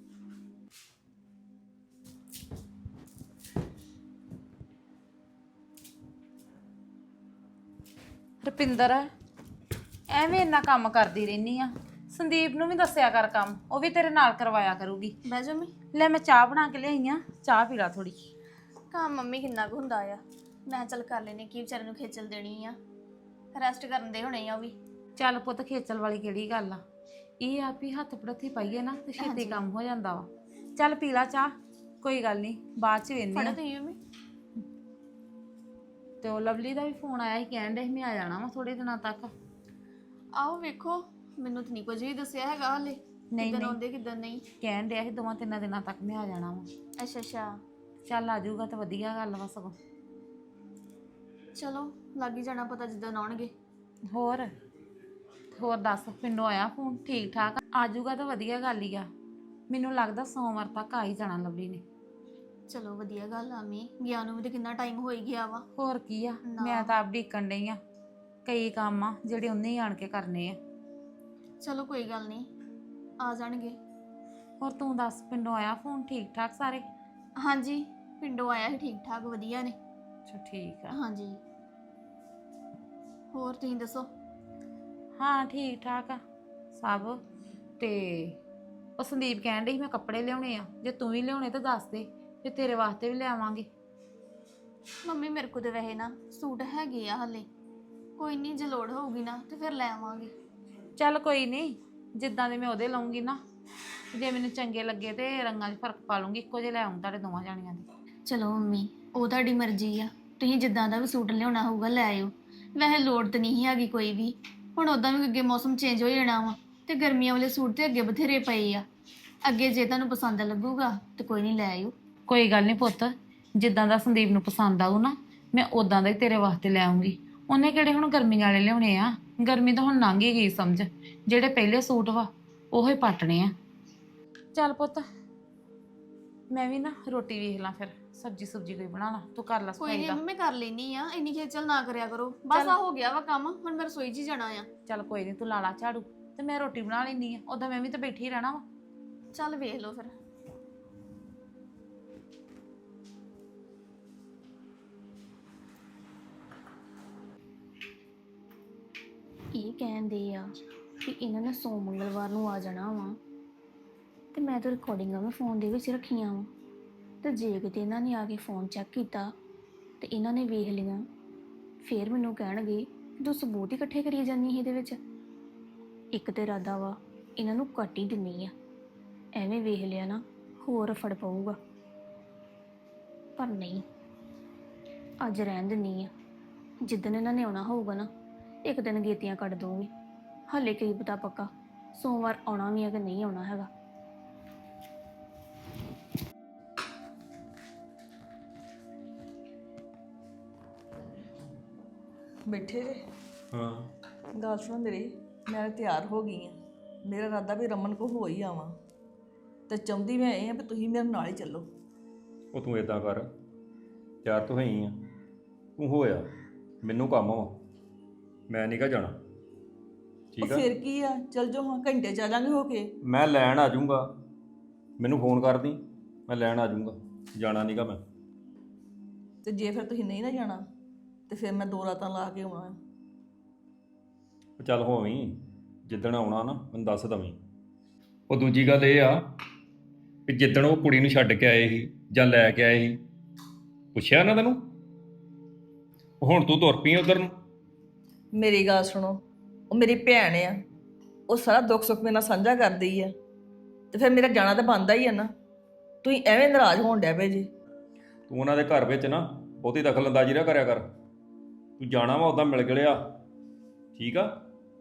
[SPEAKER 4] ਰੁਪਿੰਦਰ ਐਵੇਂ ਇੰਨਾ ਕੰਮ ਕਰਦੀ ਰਹਿਨੀ ਆ, ਸੰਦੀਪ ਨੂੰ ਵੀ ਦੱਸਿਆ ਕਰ ਕੰਮ, ਉਹ ਵੀ ਤੇਰੇ ਨਾਲ ਕਰਵਾਇਆ ਕਰੂਗੀ।
[SPEAKER 5] ਬਹਿ ਜਾ ਮੰਮੀ।
[SPEAKER 4] ਲੈ ਮੈਂ ਚਾਹ ਬਣਾ ਕੇ ਲਿਆਈ ਆ, ਚਾਹ ਪੀ ਲਾ ਥੋੜੀ।
[SPEAKER 5] ਕੰਮ ਮੰਮੀ ਕਿੰਨਾ ਕੁ ਹੁੰਦਾ ਆ, ਮੈਂ ਚੱਲ ਕਰ ਲੈਨੇ, ਕੀ ਵਿਚਾਰੇ ਨੂੰ ਖੇਚਲ ਦੇਣੀ ਆ, ਰੈਸਟ ਕਰਨ ਦੇ ਹੋਣੇ ਆ ਉਹ ਵੀ।
[SPEAKER 4] ਚੱਲ ਪੁੱਤ ਖੇਚਲ ਵਾਲੀ ਕਿਹੜੀ ਗੱਲ ਆ, ਇਹ ਆ ਵੀ ਹੱਥ ਪੜਥੀ ਪਾਈਏ ਨਾ ਤੇ ਛੇਤੀ ਕੰਮ ਹੋ ਜਾਂਦਾ ਵਾ। ਚੱਲ ਪੀ ਲਾ ਚਾਹ, ਕੋਈ ਗੱਲ ਨਹੀਂ, ਬਾਅਦ ਚ ਵੇਖਦੇ
[SPEAKER 5] ਫੜੋ
[SPEAKER 4] ਆ।
[SPEAKER 5] ਤੁਸੀਂ ਮੰਮੀ।
[SPEAKER 4] ਤੇ ਉਹ ਲਵਲੀ ਦਾ ਵੀ ਫੋਨ ਆਇਆ ਸੀ, ਕਹਿਣ ਡਿਆ ਸੀ ਮੈਂ ਆ ਜਾਣਾ ਵਾ ਥੋੜੇ ਦਿਨਾਂ ਤੱਕ।
[SPEAKER 5] ਆਓ ਵੇਖੋ, ਮੈਨੂੰ ਤਾਂ ਨਹੀਂ ਕੁਝ ਵੀ ਦੱਸਿਆ ਹੈਗਾ ਹਾਲੇ,
[SPEAKER 4] ਨਹੀਂ
[SPEAKER 5] ਕਿੱਦਣ
[SPEAKER 4] ਨਹੀਂ
[SPEAKER 5] ਆਉਂਦੇ ਕਿੱਦਣ ਨਹੀਂ।
[SPEAKER 4] ਕਹਿਣ ਡਿਆ ਸੀ ਦੋਵਾਂ ਤਿੰਨਾਂ ਦਿਨਾਂ ਤੱਕ ਮੈਂ ਆ ਜਾਣਾ ਵਾ।
[SPEAKER 5] ਅੱਛਾ ਅੱਛਾ,
[SPEAKER 4] ਚੱਲ ਆ ਜਾਊਗਾ ਤਾਂ ਵਧੀਆ ਗੱਲ ਵਾ ਸਗੋਂ।
[SPEAKER 5] ਚਲੋ ਲੱਗ ਹੀ ਜਾਣਾ ਪਤਾ ਜਿੱਦਣ ਆਉਣਗੇ।
[SPEAKER 4] ਹੋਰ ਹੋਰ ਦੱਸ, ਪਿੰਡੋਂ ਆਇਆ ਫੋਨ? ਠੀਕ ਠਾਕ ਆ ਜਾਊਗਾ ਤਾਂ ਵਧੀਆ ਗੱਲ ਹੀ ਆ। ਮੈਨੂੰ ਲੱਗਦਾ ਸੋਮਵਾਰ ਤੱਕ ਆ ਹੀ ਜਾਣਾ ਲਵਲੀ ਨੇ।
[SPEAKER 5] ਚਲੋ ਵਧੀਆ ਗੱਲ ਆ, ਮੀ ਗਿਆ ਨੂੰ ਵੀ ਤਾਂ ਕਿੰਨਾ ਟਾਈਮ ਹੋ ਹੀ ਗਿਆ ਵਾ।
[SPEAKER 4] ਹੋਰ ਕੀ ਆ,
[SPEAKER 5] ਨਾ।
[SPEAKER 4] ਮੈਂ ਤਾਂ ਆਪ ਢੀਕਣ ਡਈ ਆ, ਕਈ ਕੰਮ ਆ ਜਿਹੜੇ ਉਹਨੇ ਹੀ ਆਣ ਕੇ ਕਰਨੇ ਆ।
[SPEAKER 5] ਚਲੋ ਕੋਈ ਗੱਲ ਨਹੀਂ, ਆ ਜਾਣਗੇ।
[SPEAKER 4] ਹੋਰ ਤੂੰ ਦੱਸ, ਪਿੰਡੋਂ ਆਇਆ ਫੋਨ? ਠੀਕ ਠਾਕ ਸਾਰੇ?
[SPEAKER 5] ਹਾਂਜੀ ਪਿੰਡੋਂ ਆਇਆ ਸੀ, ਠੀਕ ਠਾਕ ਵਧੀਆ ਨੇ।
[SPEAKER 4] ਅੱਛਾ ਠੀਕ ਆ।
[SPEAKER 5] ਹਾਂਜੀ ਹੋਰ ਤੁਸੀਂ ਦੱਸੋ?
[SPEAKER 4] ਹਾਂ ਠੀਕ ਠਾਕ ਆ ਸਭ। ਤੇ ਉਹ ਸੰਦੀਪ ਕਹਿਣ ਡਈ ਸੀ ਮੈਂ ਕੱਪੜੇ ਲਿਆਉਣੇ ਆ, ਜੇ ਤੂੰ ਵੀ ਲਿਆਉਣੇ ਤਾਂ ਦੱਸ ਦੇ, ਫਿਰ ਤੇਰੇ ਵਾਸਤੇ ਵੀ ਲਿਆਵਾਂਗੇ।
[SPEAKER 5] ਮੰਮੀ ਮੇਰੇ ਕੋਲ ਤੇ ਵੈਸੇ ਨਾ ਸੂਟ ਹੈਗੇ ਆ ਹਲੇ, ਕੋਈ ਨਹੀਂ ਜੇ ਲੋੜ ਹੋਊਗੀ ਨਾ ਤੇ ਫਿਰ ਲੈ ਆਵਾਂਗੇ।
[SPEAKER 4] ਚੱਲ ਕੋਈ ਨਹੀਂ, ਜਿੱਦਾਂ ਦੇ ਮੈਂ ਉਹਦੇ ਲਵਾਂਗੀ ਨਾ, ਜੇ ਮੈਨੂੰ ਚੰਗੇ ਲੱਗੇ ਤੇ ਰੰਗਾਂ 'ਚ ਫਰਕ ਪਾ ਲੂੰਗੀ, ਇੱਕੋ ਜਿਹੇ ਲੈ ਆਉਂ ਤੁਹਾਡੇ ਦੋਵਾਂ ਜਾਣੀਆਂ ਦੇ।
[SPEAKER 5] ਚਲੋ ਮੰਮੀ ਉਹ ਤੁਹਾਡੀ ਮਰਜ਼ੀ ਆ, ਤੁਸੀਂ ਜਿੱਦਾਂ ਦਾ ਵੀ ਸੂਟ ਲਿਆਉਣਾ ਹੋਊਗਾ ਲੈ ਆਇਓ। ਵੈਸੇ ਲੋੜ ਤਾਂ ਨਹੀਂ ਹੈਗੀ ਕੋਈ ਵੀ, ਹੁਣ ਉੱਦਾਂ ਵੀ ਅੱਗੇ ਮੌਸਮ ਚੇਂਜ ਹੋ ਜਾਣਾ ਵਾ ਤੇ ਗਰਮੀਆਂ ਵਾਲੇ ਸੂਟ ਤੇ ਅੱਗੇ ਬਥੇਰੇ ਪਏ ਆ। ਅੱਗੇ ਜੇ ਤੁਹਾਨੂੰ ਪਸੰਦ ਲੱਗੂਗਾ ਤੇ ਕੋਈ ਨਹੀਂ ਲੈ ਆਇਓ।
[SPEAKER 4] ਕੋਈ ਗੱਲ ਨਹੀਂ ਪੁੱਤ, ਜਿੱਦਾਂ ਦਾ ਸੰਦੀਪ ਨੂੰ ਪਸੰਦ ਆਊ ਨਾ ਮੈਂ ਉਦਾਂ ਦਾ ਹੀ ਤੇਰੇ ਵਾਸਤੇ ਲੈ ਆਉਂਗੀ। ਉਹਨੇ ਕਿਹੜੇ ਹੁਣ ਗਰਮੀਆਂ ਵਾਲੇ ਲਿਆਉਣੇ ਆ, ਗਰਮੀ ਤਾਂ ਹੁਣ ਲੰਘ ਹੀ ਗਈ ਸਮਝ, ਜਿਹੜੇ ਪਹਿਲੇ ਸੂਟ ਵਾ ਉਹ ਹੀ ਪਾਟਣੇ ਆ। ਚੱਲ ਪੁੱਤ ਮੈਂ ਵੀ ਨਾ ਰੋਟੀ ਵੇਖ ਲਾਂ, ਫਿਰ ਸਬਜੀ ਸੁਬਜੀ ਕੋਈ ਬਣਾ ਲਾ, ਤੂੰ ਕਰ ਲਾ
[SPEAKER 5] ਕੋਈ
[SPEAKER 4] ਸਫਾਈ
[SPEAKER 5] ਨਹੀਂ
[SPEAKER 4] ਦਾ।
[SPEAKER 5] ਮੈਂ ਕਰ ਲੈਣੀ ਆ, ਇੰਨੀ ਖੇਚਲ ਨਾ ਕਰਿਆ ਕਰੋ, ਬਸ ਆ ਹੋ ਗਿਆ ਵਾ ਕੰਮ, ਹੁਣ ਮੈਂ ਰਸੋਈ 'ਚ ਹੀ ਜਾਣਾ ਆ।
[SPEAKER 4] ਚੱਲ ਕੋਈ ਨਹੀਂ, ਤੂੰ ਲਾ ਲਾ ਝਾੜੂ ਤੇ ਮੈਂ ਰੋਟੀ ਬਣਾ ਲੈਂਦੀ ਆ, ਉਦਾਂ ਮੈਂ ਵੀ ਤਾਂ ਬੈਠੀ ਰਹਿਣਾ ਵਾ।
[SPEAKER 5] ਚੱਲ ਵੇਖ ਲਓ ਫਿਰ। ਇਹ ਕਹਿੰਦੇ ਆ ਕਿ ਇਹਨਾਂ ਨੇ ਸੋਮ ਮੰਗਲਵਾਰ ਨੂੰ ਆ ਜਾਣਾ ਵਾ, ਤੇ ਮੈਂ ਤਾਂ ਰਿਕਾਰਡਿੰਗਾਂ ਵੀ ਫੋਨ ਦੇ ਵਿੱਚ ਰੱਖੀਆਂ ਵਾ, ਤੇ ਜੇ ਕਿਤੇ ਇਹਨਾਂ ਨੇ ਆ ਕੇ ਫੋਨ ਚੈੱਕ ਕੀਤਾ ਤੇ ਇਹਨਾਂ ਨੇ ਵੇਖ ਲਿਆ, ਫਿਰ ਮੈਨੂੰ ਕਹਿਣਗੇ ਕਿ ਤੂੰ ਸਬੂਤ ਹੀ ਇਕੱਠੇ ਕਰੀ ਜਾਂਦੀ ਇਹਦੇ ਵਿੱਚ। ਇੱਕ ਤੇ ਇਰਾਦਾ ਵਾ ਇਹਨਾਂ ਨੂੰ ਕੱਟ ਹੀ ਦਿੰਨੀ ਆ, ਐਵੇਂ ਵੇਖ ਲਿਆ ਨਾ ਹੋਰ ਫੜ ਪਊਗਾ, ਪਰ ਨਹੀਂ, ਅੱਜ ਰਹਿਣ ਦਿੰਨੀ ਆ। ਜਿੱਦਣ ਇਹਨਾਂ ਨੇ ਆਉਣਾ ਹੋਊਗਾ ਨਾ ਇੱਕ ਦਿਨ ਗੇਤੀਆਂ ਕੱਢ ਦੂੰਗੀ। ਹਾਲੇ ਕੀ ਪਤਾ ਪੱਕਾ ਸੋਮਵਾਰ ਆਉਣਾ ਵੀ ਹੈ ਕਿ ਨਹੀਂ ਆਉਣਾ ਹੈਗਾ।
[SPEAKER 6] ਬੈਠੇ ਜੇ?
[SPEAKER 7] ਹਾਂ
[SPEAKER 6] ਗੱਲ ਸੁਣ ਮੇਰੀ, ਮੈਂ ਤਿਆਰ ਹੋ ਗਈ ਆ, ਮੇਰਾ ਇਰਾਦਾ ਵੀ ਰਮਨ ਕੋ ਹੋ ਹੀ ਆਵਾਂ, ਤੇ ਚਾਹੁੰਦੀ ਮੈਂ ਇਹ ਆ ਵੀ ਤੁਸੀਂ ਮੇਰੇ ਨਾਲ ਹੀ ਚੱਲੋ।
[SPEAKER 7] ਉਹ ਤੂੰ ਇਦਾਂ ਕਰ, ਤਿਆਰ ਤੂੰ ਹੋਈ ਆ, ਤੂੰ ਹੋਇਆ, ਮੈਨੂੰ ਕੰਮ ਵਾ, ਮੈਂ ਨਹੀਂ ਗਾ ਜਾਣਾ।
[SPEAKER 6] ਉਹ
[SPEAKER 7] ਠੀਕ ਆ,
[SPEAKER 6] ਫਿਰ ਕੀ ਆ, ਚੱਲ ਜਾਓ ਹਾਂ, ਘੰਟੇ ਚੱਲਾਂਗੇ ਹੋ ਕੇ।
[SPEAKER 7] ਮੈਂ ਲੈਣ ਆ ਜਾਊਂਗਾ, ਮੈਨੂੰ ਫੋਨ ਕਰ ਦੀ, ਮੈਂ ਲੈਣ ਆ ਜਾਊਂਗਾ, ਜਾਣਾ ਨਹੀਂ ਗਾ ਮੈਂ।
[SPEAKER 6] ਤੇ ਜੇ ਫਿਰ ਤੁਸੀਂ ਨਹੀਂ ਨਾ ਜਾਣਾ ਤੇ ਫਿਰ ਮੈਂ ਦੋ ਰਾਤਾਂ ਲਾ ਕੇ ਆਉਣਾ ਆ।
[SPEAKER 7] ਉਹ ਚੱਲ ਹੋਵੀਂ, ਜਿੱਦਣ ਆਉਣਾ ਨਾ ਮੈਨੂੰ ਦੱਸ ਦਵੀਂ। ਉਹ ਦੂਜੀ ਗੱਲ ਇਹ ਆ ਕਿ ਜਿੱਦਣ ਉਹ ਕੁੜੀ ਨੂੰ ਛੱਡ ਕੇ ਆਏ ਸੀ ਜਾਂ ਲੈ ਕੇ ਆਏ ਸੀ, ਪੁੱਛਿਆ ਨਾ ਤੈਨੂੰ? ਹੁਣ ਤੂੰ ਤੁਰ ਪਈ ਉਧਰ ਨੂੰ।
[SPEAKER 6] ਮੇਰੀ ਗੱਲ ਸੁਣੋ, ਉਹ ਮੇਰੀ ਭੈਣ ਆ, ਉਹ ਸਾਰਾ ਦੁੱਖ ਸੁੱਖ ਮੇਰੇ ਨਾਲ ਸਾਂਝਾ ਕਰਦੀ ਆ, ਤੇ ਫਿਰ ਮੇਰਾ ਜਾਣਾ ਤਾਂ ਬਣਦਾ ਹੀ ਆ ਨਾ। ਤੁਸੀਂ ਐਵੇਂ ਨਾਰਾਜ਼ ਹੋਣ ਡਿਆ ਪਏ ਜੀ।
[SPEAKER 7] ਤੂੰ ਉਹਨਾਂ ਦੇ ਘਰ ਵਿੱਚ ਨਾ ਬਹੁਤੀ ਦਖਲ ਅੰਦਾਜ਼ੀ ਨਾ ਕਰਿਆ ਕਰ। ਤੂੰ ਜਾਣਾ ਵਾ ਉੱਦਾਂ ਮਿਲ ਗਿਲਿਆ, ਠੀਕ ਆ?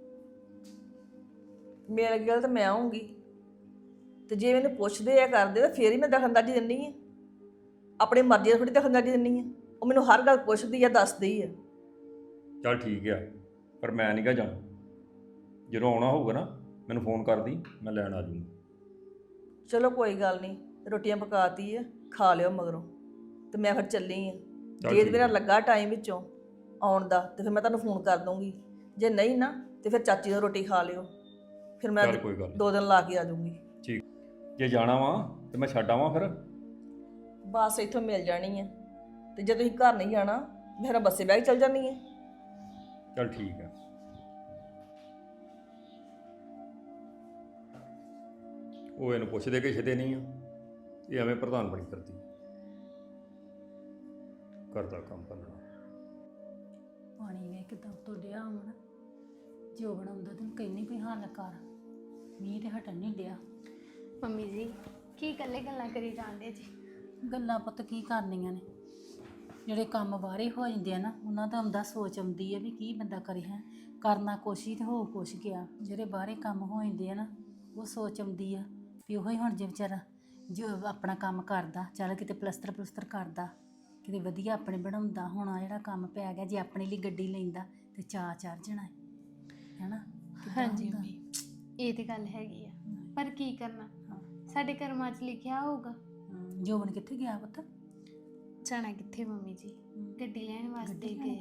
[SPEAKER 6] ਮਿਲ ਗਿਆ ਤਾਂ ਮੈਂ ਆਉਂਗੀ, ਤੇ ਜੇ ਮੈਨੂੰ ਪੁੱਛਦੇ ਆ ਕਰਦੇ ਤਾਂ ਫੇਰ ਹੀ ਮੈਂ ਦਖਲਅੰਦਾਜ਼ੀ ਦਿੰਦੀ ਆ। ਆਪਣੀ ਮਰਜ਼ੀ ਨਾਲ ਥੋੜੀ ਦਖਲਅੰਦਾਜ਼ੀ ਦਿੰਦੀ ਆ। ਉਹ ਮੈਨੂੰ ਹਰ ਗੱਲ ਪੁੱਛਦੀ ਆ, ਦੱਸਦੀ ਆ।
[SPEAKER 7] ਚੱਲ ਠੀਕ ਆ, ਪਰ ਮੈਂ ਨਹੀਂ ਗਾ ਜਾਣਾ। ਜਦੋਂ ਆਉਣਾ ਹੋਊਗਾ ਨਾ ਮੈਨੂੰ ਫੋਨ ਕਰਦੀ, ਮੈਂ ਲੈਣ ਆ ਜਾਊਂਗਾ।
[SPEAKER 6] ਚਲੋ ਕੋਈ ਗੱਲ ਨਹੀਂ, ਰੋਟੀਆਂ ਪਕਾਤੀ ਆ, ਖਾ ਲਿਓ ਮਗਰੋਂ, ਤੇ ਮੈਂ ਫਿਰ ਚੱਲੀ ਆ।
[SPEAKER 7] ਚੱਲ
[SPEAKER 6] ਜੇ
[SPEAKER 7] ਠੀਕ
[SPEAKER 6] ਮੇਰਾ
[SPEAKER 7] ਆ।
[SPEAKER 6] ਲੱਗਾ ਟਾਈਮ ਵਿੱਚੋਂ ਆਉਣ ਦਾ ਤੇ ਫਿਰ ਮੈਂ ਤੁਹਾਨੂੰ ਫੋਨ ਕਰ ਦੂੰਗੀ। ਜੇ ਨਹੀਂ ਨਾ ਤੇ ਫਿਰ ਚਾਚੀ ਨਾਲ ਰੋਟੀ ਖਾ ਲਿਓ, ਫਿਰ ਮੈਂ
[SPEAKER 7] ਚੱਲ ਕੋਈ ਗੱਲ ਨੀ।
[SPEAKER 6] ਦੋ ਦਿਨ ਲਾ ਕੇ ਆ ਜਾਊਂਗੀ।
[SPEAKER 7] ਠੀਕ, ਜੇ ਜਾਣਾ ਵਾ ਤੇ ਮੈਂ ਛੱਡ ਆਵਾਂ ਫਿਰ?
[SPEAKER 6] ਬੱਸ ਇੱਥੋਂ ਮਿਲ ਜਾਣੀ ਆ, ਤੇ ਜੇ ਤੁਸੀਂ ਘਰ ਨਹੀਂ ਜਾਣਾ ਫਿਰ ਬੱਸੇ ਬਹਿ ਕੇ ਚੱਲ ਜਾਂਦੀ ਆ।
[SPEAKER 7] ਚੱਲ ਠੀਕ ਆ। ਉਹ ਇਹਨੂੰ ਪੁੱਛਦੇ ਕਿਸੇ ਨਹੀਂ ਆ, ਇਹ ਐਵੇਂ ਪ੍ਰਧਾਨ ਬਣੀ ਕਰਦੀ, ਕਰਦਾ ਕੰਮ ਕਰਨਾ।
[SPEAKER 8] ਪਾਣੀ ਵੇ ਕਿਦਾਂ ਉੱਤੋਂ ਡਿਆ ਹੁਣ, ਜੋ ਬਣਾਉਂਦਾ ਤੈਨੂੰ ਕਹਿੰਨੀ ਵੀ ਹੱਲ ਕਰ, ਮੀਂਹ ਤੇ ਹਟਣ ਨਹੀਂ ਡਿਆ।
[SPEAKER 3] ਮੰਮੀ ਜੀ ਕੀ ਇਕੱਲੇ ਗੱਲਾਂ ਕਰੀ ਜਾਂਦੇ ਜੀ?
[SPEAKER 8] ਗੱਲਾਂ ਪੁੱਤ ਕੀ ਕਰਨੀਆਂ ਨੇ, ਜਿਹੜੇ ਕੰਮ ਬਾਹਰੇ ਹੋ ਜਾਂਦੇ ਆ ਨਾ ਉਹਨਾਂ ਦਾ ਆਉਂਦਾ ਸੋਚ ਆਉਂਦੀ ਹੈ ਵੀ ਕੀ ਬੰਦਾ ਕਰੇ ਹੈ, ਕਰਨਾ ਕੁਛ ਹੀ ਤੇ ਹੋ ਕੁਛ ਗਿਆ। ਜਿਹੜੇ ਬਾਹਰੇ ਕੰਮ ਹੋ ਜਾਂਦੇ ਆ ਨਾ ਉਹ ਸੋਚ ਆਉਂਦੀ ਆ ਵੀ ਉਹੀ ਹੁਣ ਜੇ ਵਿਚਾਰਾ ਜੋ ਆਪਣਾ ਕੰਮ ਕਰਦਾ, ਚੱਲ ਕਿਤੇ ਪਲਸਤਰ ਪਲਸਤਰ ਕਰਦਾ, ਕਿਤੇ ਵਧੀਆ ਆਪਣੇ ਬਣਾਉਂਦਾ, ਹੁਣ ਆ ਜਿਹੜਾ ਕੰਮ ਪੈ ਗਿਆ, ਜੇ ਆਪਣੇ ਲਈ ਗੱਡੀ ਲੈਂਦਾ ਤੇ ਚਾਅ ਚੜ ਜਾਣਾ ਹੈ ਨਾ।
[SPEAKER 3] ਹਾਂਜੀ ਮੰਮੀ, ਇਹ ਤੇ ਗੱਲ ਹੈਗੀ ਆ, ਪਰ ਕੀ ਕਰਨਾ, ਸਾਡੇ ਕਰਮਾਂ 'ਚ ਲਿਖਿਆ ਹੋਊਗਾ।
[SPEAKER 8] ਜੋਬਨ ਕਿੱਥੇ ਗਿਆ ਪੁੱਤ?
[SPEAKER 3] ਜਾਣਾ ਕਿੱਥੇ ਮੰਮੀ ਜੀ, ਗੱਡੀ ਲੈਣ ਵਾਸਤੇ
[SPEAKER 8] ਗੱਡੀ
[SPEAKER 3] ਗਏ।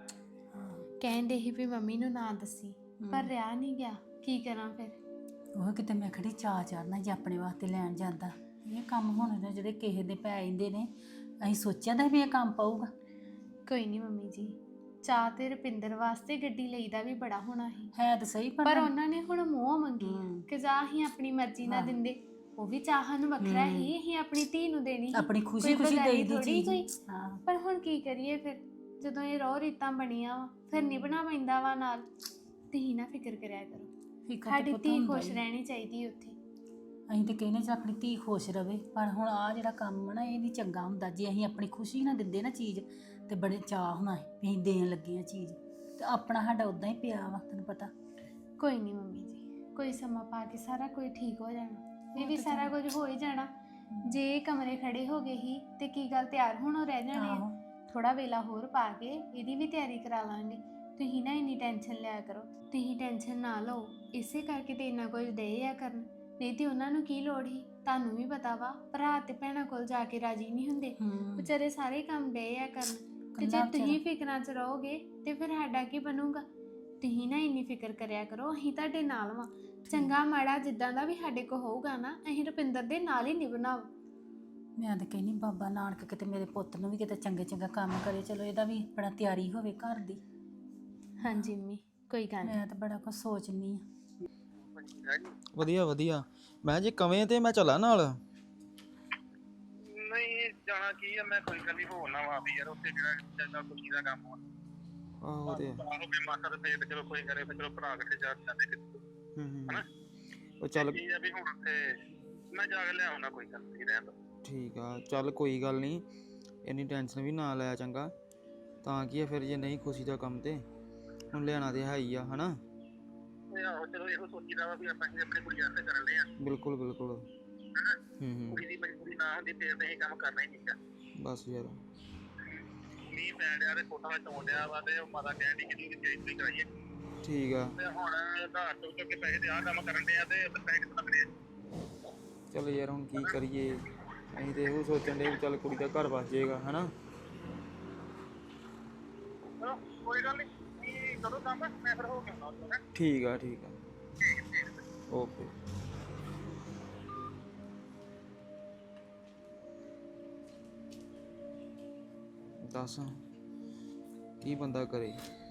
[SPEAKER 3] ਕਹਿੰਦੇ ਸੀ ਵੀ ਮੰਮੀ ਨੂੰ ਨਾ ਦੱਸੀ, ਪਰ ਰਿਹਾ ਨਹੀਂ ਗਿਆ, ਕੀ ਕਰਾਂ ਫਿਰ।
[SPEAKER 8] ਉਹ ਕਿਤੇ ਮੈਂ ਖੜੀ ਚਾਅ ਚੜਨਾ ਜੇ ਆਪਣੇ ਵਾਸਤੇ ਲੈਣ ਜਾਂਦਾ। ਇਹ ਕੰਮ ਹੁਣ ਨੇ ਜਿਹੜੇ ਕਿਸੇ ਦੇ ਪੈ ਜਾਂਦੇ ਨੇ, ਅਸੀਂ ਸੋਚਿਆ ਤਾਂ ਵੀ ਇਹ ਕੰਮ ਪਊਗਾ।
[SPEAKER 3] ਕੋਈ ਨਹੀਂ ਮੰਮੀ ਜੀ, ਚਾਹ ਤੇ ਰੁਪਿੰਦਰ ਵਾਸਤੇ ਗੱਡੀ ਲਈਦਾ ਵੀ ਬੜਾ ਹੋਣਾ ਸੀ,
[SPEAKER 8] ਹੈ ਤਾਂ ਸਹੀ
[SPEAKER 3] ਪਰ ਉਹਨਾਂ ਨੇ ਹੁਣ ਮੂੰਹ ਮੰਗੀ
[SPEAKER 8] ਹਮ।
[SPEAKER 3] ਕਿ ਜਾ ਅਸੀਂ ਆਪਣੀ ਮਰਜ਼ੀ ਨਾਲ
[SPEAKER 8] ਹਾਂ।
[SPEAKER 3] ਦਿੰਦੇ। ਉਹ ਵੀ ਚਾਹਾਂ ਨੂੰ ਵੱਖਰਾ ਹੀ ਅਸੀਂ ਆਪਣੀ ਧੀ ਨੂੰ ਦੇਣੀ ਸੀ।
[SPEAKER 8] ਆਪਣੀ ਖੁਸ਼ੀ
[SPEAKER 3] ਕੋਈ
[SPEAKER 8] ਖੁਸ਼ੀ
[SPEAKER 3] ਬਗਾਨੀ
[SPEAKER 8] ਦੇਈ ਦੀ
[SPEAKER 3] ਥੋੜ੍ਹੀ
[SPEAKER 8] ਚੀਜ਼।
[SPEAKER 3] ਕੋਈ।
[SPEAKER 8] ਹਾਂ
[SPEAKER 3] ਪਰ ਹੁਣ ਕੀ ਕਰੀਏ ਫਿਰ, ਜਦੋਂ ਇਹ ਰੋਹ ਰੀਤਾਂ ਬਣੀਆਂ ਵਾ ਫਿਰ ਨਿਭਣਾ ਪੈਂਦਾ ਵਾ ਨਾਲ। ਤੁਸੀਂ ਨਾ ਫਿਕਰ ਕਰਿਆ ਕਰੋ,
[SPEAKER 8] ਫਿਕਰ ਤਾਂ
[SPEAKER 3] ਸਾਡੀ
[SPEAKER 8] ਪੁੱਤ
[SPEAKER 3] ਧੀ
[SPEAKER 8] ਹੁੰਦਾ
[SPEAKER 3] ਖੁਸ਼
[SPEAKER 8] ਹੀ।
[SPEAKER 3] ਰਹਿਣੀ ਚਾਹੀਦੀ ਉੱਥੇ।
[SPEAKER 8] ਅਸੀਂ ਤਾਂ ਕਹਿੰਦੇ ਜੇ ਆਪਣੀ ਧੀ ਖੁਸ਼ ਰਵੇ, ਪਰ ਹੁਣ ਆ ਜਿਹੜਾ ਕੰਮ ਆ ਨਾ ਇਹ ਨਹੀਂ ਚੰਗਾ ਹੁੰਦਾ। ਜੇ ਅਸੀਂ ਆਪਣੀ ਖੁਸ਼ੀ ਨਾਲ ਦਿੰਦੇ ਨਾ ਚੀਜ਼ ਤੇ ਬੜੇ ਚਾਅ ਹੋਣਾ ਸੀ ਵੀ ਅਸੀਂ ਦੇਣ ਲੱਗੇ ਆ ਚੀਜ਼, ਤੇ ਆਪਣਾ ਸਾਡਾ ਉਦਾਂ ਹੀ ਪਿਆ ਵਾ, ਤੈਨੂੰ ਪਤਾ।
[SPEAKER 3] ਕੋਈ ਨਹੀਂ ਮੰਮੀ ਜੀ, ਕੋਈ ਸਮਾਂ ਪਾ ਕੇ ਸਾਰਾ ਕੁਝ ਠੀਕ ਹੋ ਜਾਣਾ। ਇਹ ਵੀ ਸਾਰਾ ਕੁਝ ਹੋ ਹੀ ਜਾਣਾ। ਜੇ ਕਮਰੇ ਖੜੇ ਹੋ ਗਏ ਹੀ ਤੇ ਕੀ ਗੱਲ ਤਿਆਰ ਹੋਣੋਂ ਰਹਿ ਜਾਣੇ ਆ। ਥੋੜਾ ਵੇਲਾ ਹੋਰ ਪਾ ਕੇ ਇਹਦੀ ਵੀ ਤਿਆਰੀ ਕਰਾ ਲਾਂਗੇ। ਤੁਸੀਂ ਨਾ ਇੰਨੀ ਟੈਨਸ਼ਨ ਲਿਆ ਕਰੋ, ਤੁਸੀਂ ਟੈਨਸ਼ਨ ਨਾ ਲਓ। ਇਸੇ ਕਰਕੇ ਤੇ ਇੰਨਾ ਕੁਝ ਦੇ ਆ ਕਰਨ, ਨਹੀਂ ਤੇ ਉਹਨਾਂ ਨੂੰ ਕੀ ਲੋੜ ਸੀ। ਤੁਹਾਨੂੰ ਵੀ ਪਤਾ ਵਾ, ਭਰਾ ਤੇ ਭੈਣਾਂ ਕੋਲ ਜਾ ਕੇ ਰਾਜੀ ਨਹੀਂ ਹੁੰਦੇ, ਵਿਚਾਰੇ ਸਾਰੇ ਕੰਮ ਦੇ ਆ ਕਰਨ। ਤੇ ਜੇ ਤੁਸੀਂ ਫਿਕਰਾਂ 'ਚ ਰਹੋਗੇ ਤੇ ਫਿਰ ਸਾਡਾ ਕੀ ਬਣੂਗਾ। ਤੁਸੀਂ ਨਾ ਇੰਨੀ ਫਿਕਰ ਕਰਿਆ ਕਰੋ, ਅਸੀਂ ਤੁਹਾਡੇ ਨਾਲ ਵਾਂ। ਚੰਗਾ ਮਾੜਾ ਜਿੱਦਾਂ ਦਾ ਵੀ ਸਾਡੇ ਕੋਲ ਹੋਊਗਾ ਨਾ, ਅਸੀਂ ਰੁਪਿੰਦਰ ਦੇ ਨਾਲ ਹੀ ਨਿਭਣਾ ਵਾ।
[SPEAKER 8] ਮੈਂ ਤਾਂ ਕਹਿੰਦੀ ਬਾਬਾ ਨਾਨਕ ਕਿਤੇ ਮੇਰੇ ਪੁੱਤ ਨੂੰ ਵੀ ਕਿਤੇ ਚੰਗੇ ਚੰਗਾ ਕੰਮ ਕਰੇ, ਚਲੋ ਇਹਦਾ ਵੀ ਬੜਾ ਤਿਆਰੀ ਹੋਵੇ ਘਰ ਦੀ।
[SPEAKER 3] ਹਾਂਜੀ ਮੰਮੀ, ਕੋਈ ਗੱਲ ਨਹੀਂ।
[SPEAKER 8] ਮੈਂ ਤਾਂ ਬੜਾ ਕੁਝ ਸੋਚਨੀ ਆ।
[SPEAKER 9] ਵਧੀਆ ਵਧੀਆ। ਮੈਂ ਜੇ ਕਵੇਂ ਤੇ ਮੈਂ ਚੱਲਾਂ ਨਾਲ।
[SPEAKER 2] ਨਹੀਂ ਜਾਣਾ ਕੀ ਆ, ਮੈਂ ਕੋਈ ਗੱਲ ਨਹੀਂ ਹੋਣਾ ਵਾ ਵੀ ਯਾਰ ਉੱਥੇ ਜਿਹੜਾ ਚੰਗਾ ਖੁਸ਼ੀ ਦਾ ਕੰਮ ਆ।
[SPEAKER 9] ਆਹੋ ਤੇ
[SPEAKER 2] ਆਹੋ ਵੀ ਮਾਤਾ ਦੇ ਪੇਟ ਚਲੋ ਕੋਈ ਕਰੇ, ਫਿਰ ਚਲੋ ਭਰਾ ਇਕੱਠੇ ਜਾ ਜਾਂਦੇ ਕਿਤੇ।
[SPEAKER 9] ਹੂੰ ਹੂੰ
[SPEAKER 2] ਹਨਾ?
[SPEAKER 9] ਉਹ ਚੱਲ
[SPEAKER 2] ਕੀ ਆ ਵੀ ਹੁਣ ਉੱਥੇ ਮੈਂ ਜਾ ਕੇ ਲਿਆਉਣਾ, ਕੋਈ ਗੱਲ ਨਹੀਂ ਰਹਿਣ ਦੋ।
[SPEAKER 9] ਠੀਕ ਆ, ਚੱਲ ਕੋਈ ਗੱਲ ਨਹੀਂ, ਇੰਨੀ ਟੈਨਸ਼ਨ ਵੀ ਨਾ ਲੈ ਚੰਗਾ। ਤਾਂ ਕੀ ਆ ਫਿਰ ਜੇ ਨਹੀਂ ਖੁਸ਼ੀ ਦਾ ਕੰਮ ਤੇ ਹੁਣ ਲਿਆਣਾ ਤੇ ਹੈ ਹੀ ਆ, ਹਨਾ?
[SPEAKER 2] ਆਹੋ ਚਲੋ ਇਹੋ ਸੋਚੀਦਾ ਵਾ ਵੀ ਆਪਾਂ ਆਪਣੀ ਕੁੜੀ ਵਾਸਤੇ ਕਰਨ ਦੇ ਆ।
[SPEAKER 9] ਬਿਲਕੁਲ ਬਿਲਕੁਲ।
[SPEAKER 2] ਹਨਾ?
[SPEAKER 9] ਹੂੰ ਹੂੰ
[SPEAKER 2] ਕੁੜੀ ਦੀ ਮਜਬੂਰੀ ਨਾ ਹੁੰਦੀ ਫਿਰ ਤਾਂ ਇਹ ਕੰਮ ਕਰਨਾ ਹੀ ਨਹੀਂ।
[SPEAKER 9] ਬਸ ਯਾਰ
[SPEAKER 2] ਮੀਂਹ ਪੈਣ ਡਿਆ ਤੇ ਫੋਟੋਆਂ ਚੋਣ ਡਿਆ ਵਾ ਤੇ ਉਹ ਮਾਤਾ ਕਹਿਣ ਦੀ ਕਿੰਨੀ ਚੇਂਜ ਕਰਾਈਏ।
[SPEAKER 9] ਠੀਕ ਆ।
[SPEAKER 2] ਤੇ ਹੁਣ ਆਧਾਰ ਚੁੱਕ ਚੁੱਕ ਕੇ ਪੈਸੇ ਤੇ ਆਹ ਕੰਮ ਕਰਨ ਦੇ ਆ ਤੇ ਉੱਥੇ ਪੈਸੇ ਕਿੱਥੋਂ ਲੱਗਣੇ ਆ।
[SPEAKER 9] ਚਲ ਯਾਰ ਹੁਣ ਕੀ ਕਰੀਏ, ਅਸੀਂ ਤੇ ਇਹੋ ਸੋਚਣ ਦੇ ਵੀ ਚੱਲ ਕੁੜੀ ਦਾ ਘਰ ਬਸ ਜਾਏਗਾ, ਹਨਾ?
[SPEAKER 2] ਚਲੋ ਕੋਈ ਗੱਲ ਨਹੀਂ, ਕੀ ਕਰੋ ਕੰਮ, ਮੈਂ ਫਿਰ ਹੋ ਕੇ ਆਉਣਾ।
[SPEAKER 9] ਠੀਕ ਆ ਠੀਕ ਆ, ਓਕੇ। ਦੱਸ ਕੀ ਬੰਦਾ ਕਰੇ।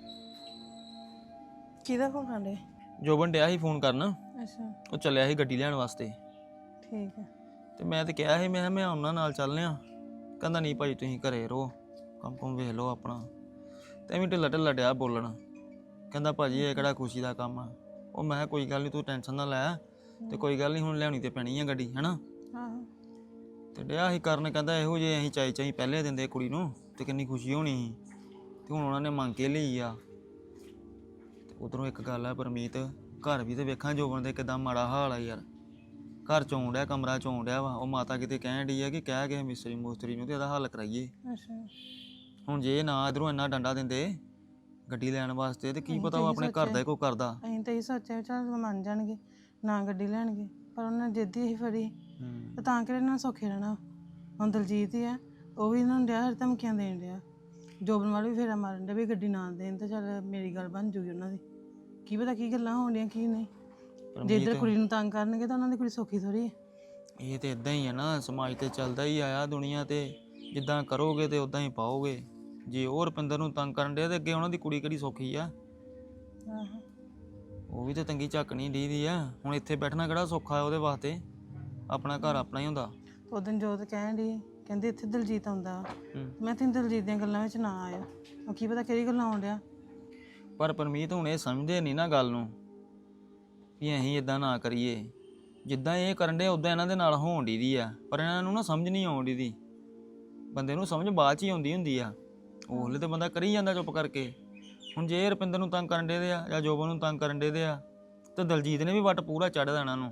[SPEAKER 10] ਕਿਹਦਾ ਫੋਨ ਖਾਂਦੇ?
[SPEAKER 9] ਜੋਬਨ ਡਿਆ ਸੀ ਫੋਨ ਕਰਨ,
[SPEAKER 10] ਅੱਛਾ
[SPEAKER 9] ਉਹ ਚੱਲਿਆ ਸੀ ਗੱਡੀ ਲੈਣ ਵਾਸਤੇ।
[SPEAKER 10] ਠੀਕ ਹੈ।
[SPEAKER 9] ਤੇ ਮੈਂ ਤੇ ਕਿਹਾ ਸੀ ਮੈਂ ਕਿਹਾ ਮੈਂ ਉਹਨਾਂ ਨਾਲ ਚੱਲਨੇ ਆ। ਕਹਿੰਦਾ ਨਹੀਂ ਭਾਈ ਤੁਸੀਂ ਘਰੇ ਰਹੋ, ਕੰਮ ਕੁਮ ਵੇਖ ਲਓ ਆਪਣਾ। ਤੇ ਐਵੇਂ ਢਿੱਲਾ ਢਿੱਲਾ ਡਿਆ ਬੋਲਣ। ਕਹਿੰਦਾ ਭਾਜੀ ਇਹ ਕਿਹੜਾ ਖੁਸ਼ੀ ਦਾ ਕੰਮ ਆ। ਉਹ ਮੈਂ ਕਿਹਾ ਕੋਈ ਗੱਲ ਨਹੀਂ ਤੂੰ ਟੈਨਸ਼ਨ ਨਾ ਲੈ, ਤੇ ਕੋਈ ਗੱਲ ਨਹੀਂ ਹੁਣ ਲਿਆਉਣੀ ਤੇ ਪੈਣੀ ਆ ਗੱਡੀ, ਹੈਨਾ।
[SPEAKER 10] ਆਹੋ
[SPEAKER 9] ਤੇ ਡਿਆ ਸੀ ਕਰਨ, ਕਹਿੰਦਾ ਇਹੋ ਜੇ ਅਸੀਂ ਚਾਈ ਚਾਈ ਪਹਿਲੇ ਦਿੰਦੇ ਕੁੜੀ ਨੂੰ ਤੇ ਕਿੰਨੀ ਖੁਸ਼ੀ ਹੋਣੀ ਸੀ, ਤੇ ਹੁਣ ਉਹਨਾਂ ਨੇ ਮੰਗ ਕੇ ਲਈ ਆ। ਤੇ ਉਧਰੋਂ ਇੱਕ ਗੱਲ ਆ ਪਰਮੀਤ, ਘਰ ਵੀ ਤੇ ਵੇਖਾਂ ਜੋਬਨ ਦੇ ਕਿਦਾਂ ਮਾੜਾ ਹਾਲ ਆ ਯਾਰ। ਘਰ ਚੋਂ ਡਿਆ, ਕਮਰਾ ਚੋਂ ਡਿਆ ਵਾ। ਉਹ ਮਾਤਾ ਕਿਤੇ ਕਹਿਣ ਡਈ ਆ ਕਿ ਕਹਿ ਕੇ ਮਿਸਤਰੀ ਮੁਸਤਰੀ ਨੂੰ ਤੇ ਇਹਦਾ ਹੱਲ ਕਰਾਈਏ।
[SPEAKER 10] ਅੱਛਾ
[SPEAKER 9] ਹੁਣ ਜੇ ਨਾ ਇਧਰੋਂ ਇੰਨਾ ਡੰਡਾ ਦਿੰਦੇ ਗੱਡੀ ਲੈਣ ਵਾਸਤੇ, ਤੇ ਕੀ ਪਤਾ ਉਹ ਆਪਣੇ ਘਰ ਦਾ ਹੀ ਕੋਈ ਕਰਦਾ।
[SPEAKER 10] ਅਸੀਂ ਤਾਂ ਇਹ ਸੋਚਿਆ ਵੀ ਚੱਲ ਮੰਨ ਜਾਣਗੇ, ਨਾ ਗੱਡੀ ਲੈਣਗੇ, ਪਰ ਉਹਨਾਂ ਨੇ ਜਿੱਦ ਹੀ ਫੜੀ ਤੇ ਤਾਂ ਕਿ ਇਹਨਾਂ ਨੂੰ ਸੌਖੇ ਰਹਿਣਾ। ਹੁਣ ਦਲਜੀਤ ਹੀ ਆ, ਉਹ ਵੀ ਇਹਨਾਂ ਨੂੰ ਡਿਆ ਹਰ ਧਮਕੀਆਂ ਦੇਣ ਡਿਆ। ਜੋਬਨ ਵਾਲੇ ਵੀ ਫੇਰਾ ਮਾਰਨ ਡਿਆ ਵੀ ਗੱਡੀ ਨਾ ਦੇਣ ਤੇ ਚੱਲ ਮੇਰੀ ਗੱਲ ਬਣ ਜੂਗੀ ਉਹਨਾਂ ਦੀ। ਕੀ ਪਤਾ ਕੀ ਗੱਲਾਂ ਹੋਣ ਡੀਆਂ ਕੀ ਨਹੀਂ। ਜੇ ਇੱਧਰ ਕੁੜੀ ਨੂੰ ਤੰਗ ਕਰਨਗੇ ਤਾਂ ਉਹਨਾਂ ਦੀ ਕੁੜੀ ਸੌਖੀ ਥੋੜੀ ਹੈ।
[SPEAKER 9] ਇਹ ਤੇ ਇਦਾਂ ਹੀ ਆ ਨਾ, ਸਮਾਜ ਤੇ ਚੱਲਦਾ ਹੀ ਆਇਆ ਦੁਨੀਆ ਤੇ। ਜਿੱਦਾਂ ਕਰੋਗੇ ਤੇ ਉਦਾਂ ਹੀ ਪਾਓਗੇ। ਜੇ ਉਹ ਰੁਪਿੰਦਰ ਨੂੰ ਤੰਗ ਕਰਨ ਡਿਆ ਤੇ ਅੱਗੇ ਉਹਨਾਂ ਦੀ ਕੁੜੀ ਕਿਹੜੀ ਸੌਖੀ ਆ।
[SPEAKER 10] ਆਹੋ
[SPEAKER 9] ਉਹ ਵੀ ਤੇ ਤੰਗੀ ਝੱਕਣੀ ਡੀਦੀ ਆ। ਹੁਣ ਇੱਥੇ ਬੈਠਣਾ ਕਿਹੜਾ ਸੌਖਾ ਉਹਦੇ ਵਾਸਤੇ। ਆਪਣਾ ਘਰ ਆਪਣਾ ਹੀ ਹੁੰਦਾ।
[SPEAKER 10] ਉਹ ਦਿਨ ਜੋਤ ਕਹਿਣ ਡਈ ਕਹਿੰਦੇ ਇੱਥੇ ਦਲਜੀਤ ਆਉਂਦਾ।
[SPEAKER 9] ਹੂੰ।
[SPEAKER 10] ਮੈਂ ਤੈਨੂੰ ਦਲਜੀਤ ਦੀਆਂ ਗੱਲਾਂ ਵਿੱਚ ਨਾ ਆਇਆ। ਉਹ ਕੀ ਪਤਾ ਕਿਹੜੀ ਗੱਲਾਂ ਆਉਣ ਡਿਆ।
[SPEAKER 9] ਪਰ ਪਰਮੀਤ ਹੁਣ ਇਹ ਸਮਝਦੇ ਨਹੀਂ ਨਾ ਗੱਲ ਨੂੰ ਵੀ ਅਸੀਂ ਇਦਾਂ ਨਾ ਕਰੀਏ। ਜਿੱਦਾਂ ਇਹ ਕਰਨ ਡੇ ਉਦਾਂ ਇਹਨਾਂ ਦੇ ਨਾਲ ਹੋਣ ਡੀ ਦੀ ਆ, ਪਰ ਇਹਨਾਂ ਨੂੰ ਨਾ ਸਮਝ ਨਹੀਂ ਆਉਣ ਡੀ ਦੀ। ਬੰਦੇ ਨੂੰ ਸਮਝ ਬਾਅਦ 'ਚ ਹੀ ਆਉਂਦੀ ਹੁੰਦੀ ਆ। ਉਹ ਹਲੇ ਤਾਂ ਬੰਦਾ ਕਰੀ ਜਾਂਦਾ ਚੁੱਪ ਕਰਕੇ। ਹੁਣ ਜੇ ਰੁਪਿੰਦਰ ਨੂੰ ਤੰਗ ਕਰਨ ਡੇ ਦੇ ਆ ਜਾਂ ਜੋਬਨ ਨੂੰ ਤੰਗ ਕਰਨ ਡੇ ਦੇ ਆ, ਤੇ ਦਲਜੀਤ ਨੇ ਵੀ ਵੱਟ ਪੂਰਾ ਚੜ੍ਹ ਦੇਣਾ ਇਹਨਾਂ ਨੂੰ।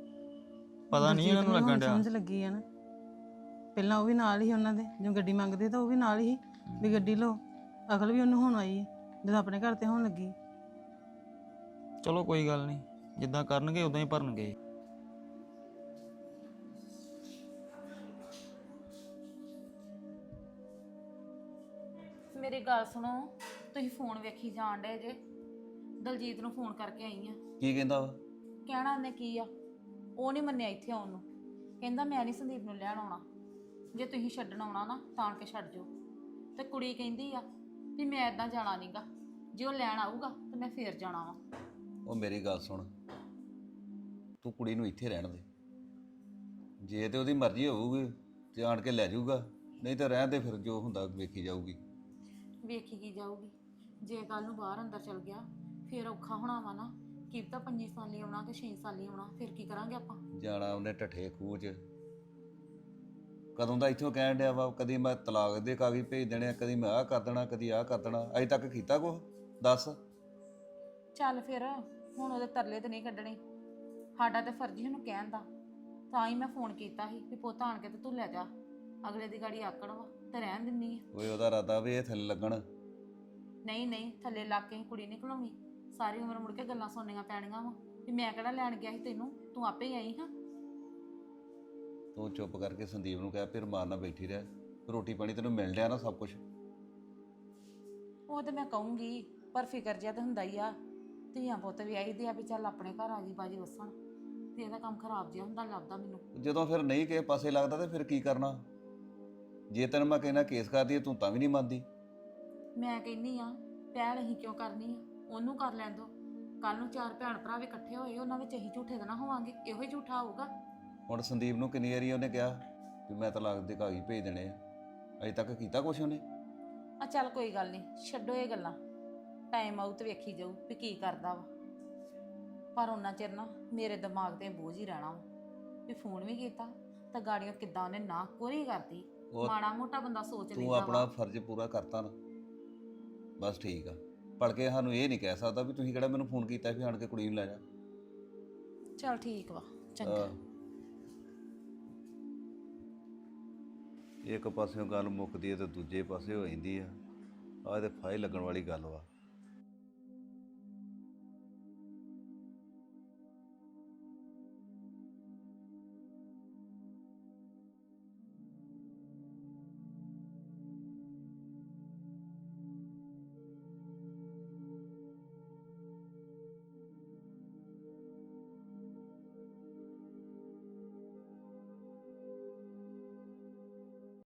[SPEAKER 9] ਪਤਾ ਨਹੀਂ ਇਹਨਾਂ ਨੂੰ ਲੱਗਣ ਡਿਆ।
[SPEAKER 10] ਸਮਝ ਲੱਗੀ ਆ ਨਾ। ਪਹਿਲਾਂ ਉਹ ਵੀ ਨਾਲ ਹੀ ਉਹਨਾਂ ਦੇ, ਜਦੋਂ ਗੱਡੀ ਮੰਗਦੇ ਤਾਂ ਉਹ ਵੀ ਨਾਲ ਹੀ ਵੀ ਗੱਡੀ ਲਓ। ਅਕਲ ਵੀ ਉਹਨੂੰ ਹੁਣ ਆਈ ਜਦੋਂ ਆਪਣੇ ਘਰ ਤੇ ਹੋਣ ਲੱਗੀ।
[SPEAKER 9] ਚਲੋ ਕੋਈ ਗੱਲ ਨਹੀਂ, ਜਿੱਦਾਂ ਕਰਨਗੇ ਉਦਾਂ ਹੀ ਭਰਨਗੇ।
[SPEAKER 4] ਮੇਰੀ ਗੱਲ ਸੁਣੋ, ਤੁਸੀਂ ਫੋਨ ਵੇਖੀ ਜਾਣ ਡੇ ਜੇ। ਦਲਜੀਤ ਨੂੰ ਫੋਨ ਕਰਕੇ ਆਈ ਆ।
[SPEAKER 7] ਕੀ ਕਹਿੰਦਾ ਵਾ?
[SPEAKER 4] ਕਹਿਣਾ ਉਹਨੇ ਕੀ ਆ, ਉਹ ਨਹੀਂ ਮੰਨਿਆ ਇੱਥੇ ਆਉਣ ਨੂੰ। ਕਹਿੰਦਾ ਮੈਂ ਨਹੀਂ ਸੰਦੀਪ ਨੂੰ ਲੈਣ ਆਉਣਾ, ਜੇ ਤੁਸੀਂ ਛੱਡਣ ਆਉਣਾ ਨਾ ਤਾਂ ਕੇ ਛੱਡ ਜਾਓ। ਤੇ ਕੁੜੀ ਕਹਿੰਦੀ ਆ ਵੀ ਮੈਂ ਇਦਾਂ ਜਾਣਾ ਨਹੀਂਗਾ, ਜੇ ਉਹ ਲੈਣ ਆਊਗਾ ਤਾਂ ਮੈਂ ਫੇਰ ਜਾਣਾ ਵਾ।
[SPEAKER 7] ਉਹ ਮੇਰੀ ਗੱਲ ਸੁਣ, ਤੂੰ ਕੁੜੀ ਨੂੰ ਇੱਥੇ ਰਹਿਣ ਦੇ। ਜੇ ਤੇ ਉਹਦੀ ਮਰਜ਼ੀ ਹੋਊਗੀ ਤੇ ਆਣ ਕੇ ਲੈ ਜਾਊਗਾ, ਨਹੀਂ ਤਾਂ ਰਹਿਣ ਦੇ, ਫਿਰ ਜੋ ਹੁੰਦਾ ਵੇਖੀ ਜਾਊਗੀ।
[SPEAKER 4] ਵੇਖੀ ਕੀ ਜਾਊਗੀ? ਜੇ ਕੱਲ ਨੂੰ ਬਾਹਰ ਅੰਦਰ ਚਲ ਗਿਆ ਫੇਰ ਔਖਾ ਹੋਣਾ ਵਾ ਨਾ। ਕੀ ਪਤਾ ਪੰਜੀ ਸਾਲੀ ਆਉਣਾ ਕਿ ਛੇ ਸਾਲੀ ਆਉਣਾ, ਫਿਰ ਕੀ ਕਰਾਂਗੇ ਆਪਾਂ?
[SPEAKER 7] ਜਾਣਾ ਉਹਨੇ ਢੱਠੇ ਖੂਹ 'ਚ। ਕਦੋਂ ਦਾ ਇੱਥੋਂ ਕਹਿਣ ਡਿਆ ਵਾ, ਕਦੀ ਮੈਂ ਤਲਾਕ ਦੇ ਕਾਗਜ਼ ਭੇਜ ਦੇਣੇ ਆ, ਕਦੀ ਮੈਂ ਆਹ ਕਰ ਦੇਣਾ, ਕਦੀ ਆਹ ਕਰ ਦੇਣਾ। ਅਜੇ ਤੱਕ ਕੀਤਾ ਕੁਛ? ਦੱਸ।
[SPEAKER 4] ਚੱਲ ਫਿਰ ਹੁਣ ਉਹਦੇ ਤਰਲੇ ਤੇ ਨਹੀਂ ਕੱਢਣੇ। ਸਾਡਾ ਤੇ ਫਰਜ਼ ਹੀ ਉਹਨੂੰ ਕਹਿਣ ਦਾ। ਤਾਂ ਹੀ ਮੈਂ ਫੋਨ ਕੀਤਾ ਸੀ ਵੀ ਪੁੱਤ ਆਣ ਕੇ ਤੇ ਤੂੰ ਲੈ ਜਾ। ਅਗਲੇ ਦੀ ਗਾੜੀ ਆਕੜ ਵਾ ਤੇ ਰਹਿਣ ਦਿੰਨੀ ਆ।
[SPEAKER 7] ਓਏ ਉਹਦਾ ਇਰਾਦਾ ਵੀ ਇਹ ਥੱਲੇ ਲੱਗਣ।
[SPEAKER 4] ਨਹੀਂ ਨਹੀਂ, ਥੱਲੇ ਲੱਗ ਕੇ ਕੁੜੀ ਨਹੀਂ ਘਲਾਉਣੀ। ਸਾਰੀ ਉਮਰ ਮੁੜ ਕੇ ਗੱਲਾਂ ਸੁਣਨੀਆਂ ਪੈਣੀਆਂ ਵਾ ਵੀ ਮੈਂ ਕਿਹੜਾ ਲੈਣ ਗਿਆ ਸੀ ਤੈਨੂੰ, ਤੂੰ ਆਪੇ ਹੀ ਆਈ ਹਾਂ।
[SPEAKER 7] ਤੂੰ ਚੁੱਪ ਕਰਕੇ ਸੰਦੀਪ ਨੂੰ ਕਹਿ ਫਿਰ ਮਾਰਨਾ ਬੈਠੀ ਰਹਿ। ਰੋਟੀ ਪਾਣੀ ਤੈਨੂੰ ਮਿਲ ਡਿਆ ਨਾ ਸਭ ਕੁਝ।
[SPEAKER 4] ਉਹ ਤੇ ਮੈਂ ਕਹੂੰਗੀ, ਪਰ ਫਿਕਰ ਜਿਹਾ ਤਾਂ ਹੁੰਦਾ ਹੀ ਆ। ਧੀਆਂ ਪੁੱਤ ਵੀ ਆਈਦੇ ਆ ਵੀ ਚੱਲ ਆਪਣੇ ਘਰ ਆ ਗਈ ਬਾਜੀ ਵਸਣ, ਤੇ ਇਹਦਾ ਕੰਮ ਖਰਾਬ ਜਿਹਾ ਹੁੰਦਾ ਲੱਗਦਾ ਮੈਨੂੰ।
[SPEAKER 7] ਜਦੋਂ ਫਿਰ ਨਹੀਂ ਕਿਸੇ ਪਾਸੇ ਲੱਗਦਾ ਤੇ ਫਿਰ ਕੀ ਕਰਨਾ? ਜੇ ਤੈਨੂੰ ਮੈਂ ਕਹਿਣਾ ਕੇਸ ਕਰਦੀ ਤੂੰ ਤਾਂ ਵੀ ਨਹੀਂ ਮੰਨਦੀ।
[SPEAKER 4] ਮੈਂ ਕਹਿੰਨੀ ਆ ਪਹਿਲ ਅਸੀਂ ਕਿਉਂ ਕਰਨੀ ਆ, ਉਹਨੂੰ ਕਰ ਲੈਣ ਦੋ। ਕੱਲ ਨੂੰ ਚਾਰ ਭੈਣ ਭਰਾ ਵੀ ਇਕੱਠੇ ਹੋਏ, ਉਹਨਾਂ ਵਿੱਚ ਅਸੀਂ ਝੂਠੇ ਤਾਂ ਨਾ ਹੋਵਾਂਗੇ। ਇਹੋ ਹੀ ਝੂਠਾ ਹੋਊਗਾ।
[SPEAKER 7] ਹੁਣ ਸੰਦੀਪ ਨੂੰ ਕਿੰਨੀ ਵਾਰੀ ਉਹਨੇ ਕਿਹਾ ਵੀ ਮੈਂ ਤਲਾਕ ਦੇ ਕਾਗਜ਼ ਭੇਜ ਦੇਣੇ ਆ, ਅਜੇ ਤੱਕ ਕੀਤਾ ਕੁਛ ਉਹਨੇ?
[SPEAKER 4] ਆ ਚੱਲ ਕੋਈ ਗੱਲ ਨਹੀਂ, ਛੱਡੋ ਇਹ ਗੱਲਾਂ। ਟਾਈਮ ਆਊ ਤੇ ਵੇਖੀ ਜਾਊ ਵੀ ਕੀ ਕਰਦਾ ਵਾ। ਪਰ ਉਹਨਾਂ ਚਿਰ ਨਾ ਮੇਰੇ ਦਿਮਾਗ ਤੇ ਬੋਝ ਹੀ ਰਹਿਣਾ ਵਾ ਵੀ ਫੋਨ ਵੀ ਕੀਤਾ ਤਾਂ ਗਾੜੀਆਂ ਕਿੱਦਾਂ ਉਹਨੇ ਨਾ ਕੋਰੀ ਕਰਦੀ। ਮਾੜਾ ਮੋਟਾ ਬੰਦਾ ਸੋਚ ਲੈਂਦਾ
[SPEAKER 7] ਤੂੰ ਆਪਣਾ ਫਰਜ਼ ਪੂਰਾ ਕਰਤਾ ਨਾ, ਬਸ ਠੀਕ ਆ। ਭੜ ਕੇ ਸਾਨੂੰ ਇਹ ਨਹੀਂ ਕਹਿ ਸਕਦਾ ਵੀ ਤੁਸੀਂ ਕਿਹੜਾ ਮੈਨੂੰ ਫੋਨ ਕੀਤਾ ਵੀ ਆਣ ਕੇ ਕੁੜੀ ਨੂੰ ਲੈ ਜਾ।
[SPEAKER 4] ਚੱਲ ਠੀਕ ਵਾ, ਚੰਗਾ।
[SPEAKER 7] ਇੱਕ ਪਾਸਿਓਂ ਗੱਲ ਮੁੱਕਦੀ ਹੈ ਤੇ ਦੂਜੇ ਪਾਸੇ ਹੋ ਜਾਂਦੀ ਆ। ਆਹ ਤੇ ਫਾਇਲ ਲੱਗਣ ਵਾਲੀ ਗੱਲ ਵਾ।